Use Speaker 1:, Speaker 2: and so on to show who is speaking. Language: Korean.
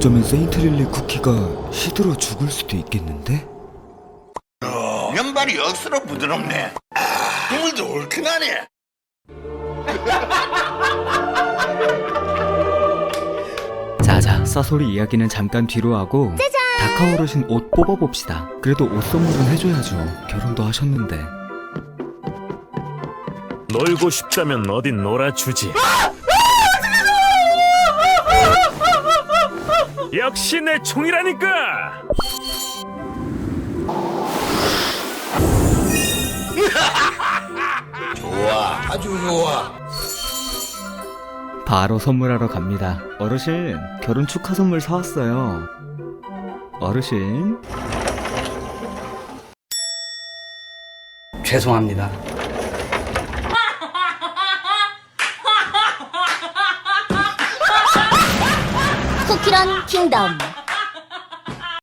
Speaker 1: 어쩌면 세인트릴리 쿠키가 시들어 죽을 수도 있겠는데?
Speaker 2: 면발이 억수로 부드럽네. 국물도 얼큰하네.
Speaker 1: 자자, 싸소리 이야기는 잠깐 뒤로 하고 다카오 어르신 옷 뽑아봅시다. 그래도 옷 선물은 해줘야죠. 결혼도 하셨는데.
Speaker 3: 놀고 싶다면 어딘 놀아주지. 역시 내 총이라니까.
Speaker 2: 좋아, 아주 좋아.
Speaker 1: 바로 선물하러 갑니다. 어르신, 결혼 축하 선물 사왔어요. 어르신.
Speaker 4: 죄송합니다.
Speaker 5: 쿠키런 킹덤